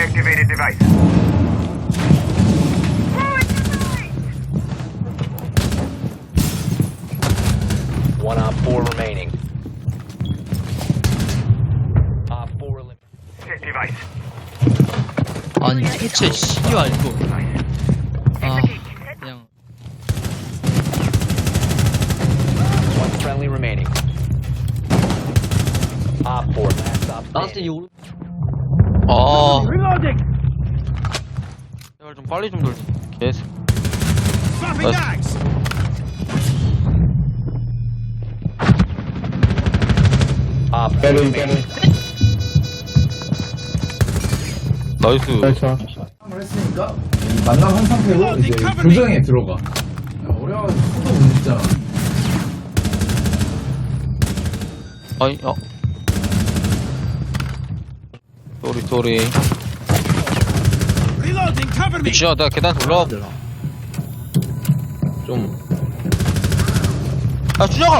Deactivated device. One op 4 remaining. Op 4 eliminated. Check device. 아니 대체 씨발 이거 아 그냥 One friendly remaining. Op 4 last stop 나한테 이 standing. 오른 아 제발 좀 빨리 좀 돌지 개새 Op 4 remaining. 나이스 을 했으니까 이 만남 한 상태로 이제 교정에 들어가. 야, 어려워가지고 손도 못 진짜. 아니 쏘리 진짜 내가 계단 올라가 좀 아 준혁아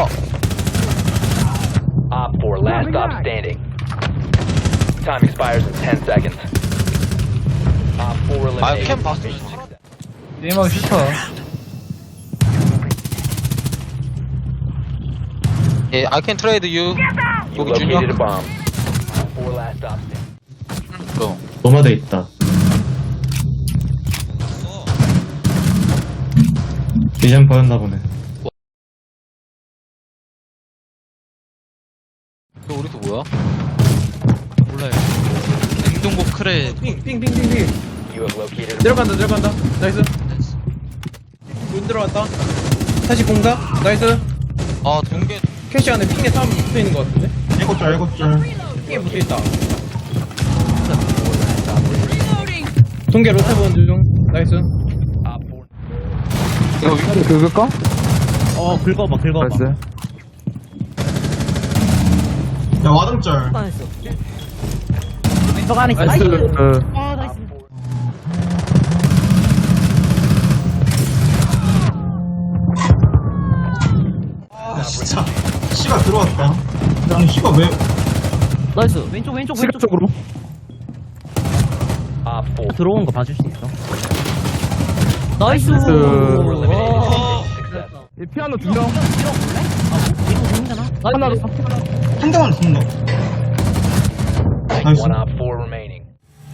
Op 4 last stop standing. Time expires in 10 seconds. Op 4 eliminated. 캠 봤어. Mission success. 게임하기 싫다. 예 I can trade you You 여기 located a 준혁 bomb. Op 4 last stop standing. 노마드 있다. 비전 보였나 보네. 너 우리도 뭐야? 몰라요 냉동고 크레 삥삥삥삥삥. You have located a 들어간다. 나이스. 문 들어왔다. 다시 공사. 나이스. 아 동계 캐시 안에 삥에 사람 붙어 있는 것 같은데? 일곱 줄. 삥에 붙어 있다. 동계 로테 보는 중. 나이스. Op 4. 이거 위로 긁을까? 긁어봐. 야 와등짤. 나이스. 아 진짜. 씨가 들어왔다. 아니 씨가 왜? 시각적으로 Op 4. 들어온 거 봐줄 수 있어? 나이스. 4 eliminated. Success. 피아노 두 명. 이거 힘드나? 하나 더. 한 대만 죽는다. 나이스. One op 4 remaining.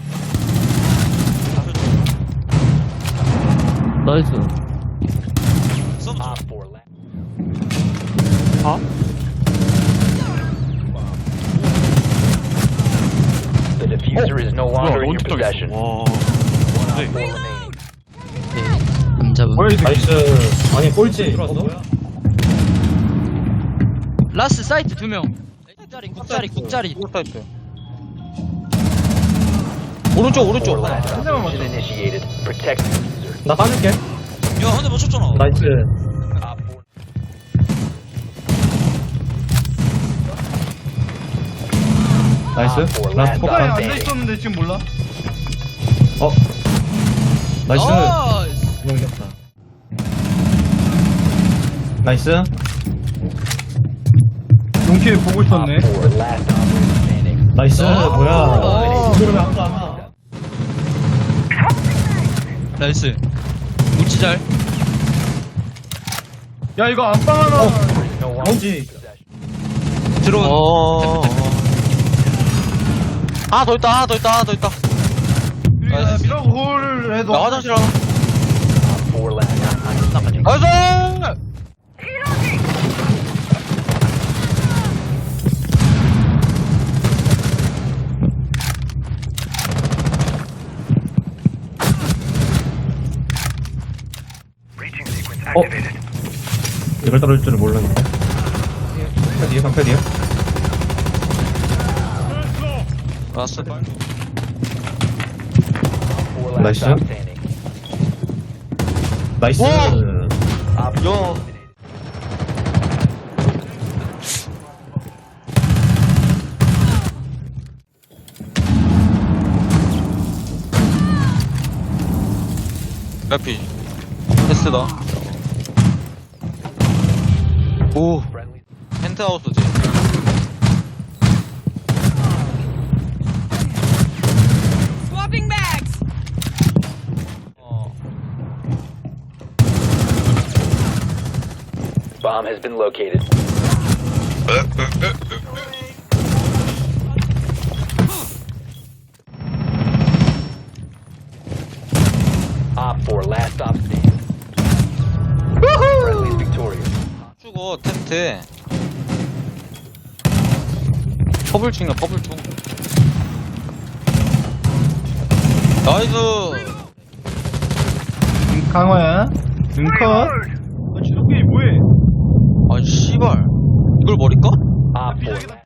나이스. Op 4 last. The diffuser is no longer in your possession. One op 4 remaining. 안 잡음 나이스. 아니 꼴찌. 라스 사이트 2명 국자리 오른쪽 Last op is initiated. Protect the diffuser. 나 빠질게. 야 한 대 맞췄잖아 나이스. Op 4. 나이스. Op 4 라스트 last 폭발. stop standing. 있었는데 지금 몰라? 나이스. 나이스 그냥 이겼다. 나이스. 용키에 보고 있었네. Op 4 last operator standing. 나이스. 뭐야? 이거를 왜안 가? 나이스 우치잘 야 이거 안방 하나. There is no longer in 뭔지. your possession. 들어온 하나 더 있다 나이스. 미라고 홀을 해도. 나 화장실 하나 Op 4 last. 나이스 Breaching sequence activated. 이걸 떨어질 줄은 몰랐는데. 방패 뒤에. 라스 Op 4 last Nice. stop standing. 나이스. Op 4 야 레피 패스다 오 friendly. 펜트하우스지 Bomb has been located. Op 4, last stop standing. Friendly is victorious. 죽어, 텐트에. 퍼블 중이야, 퍼블 중. 나이스! 강화야. 컷. 아이, 씨발. 이걸 버릴까? Op 4,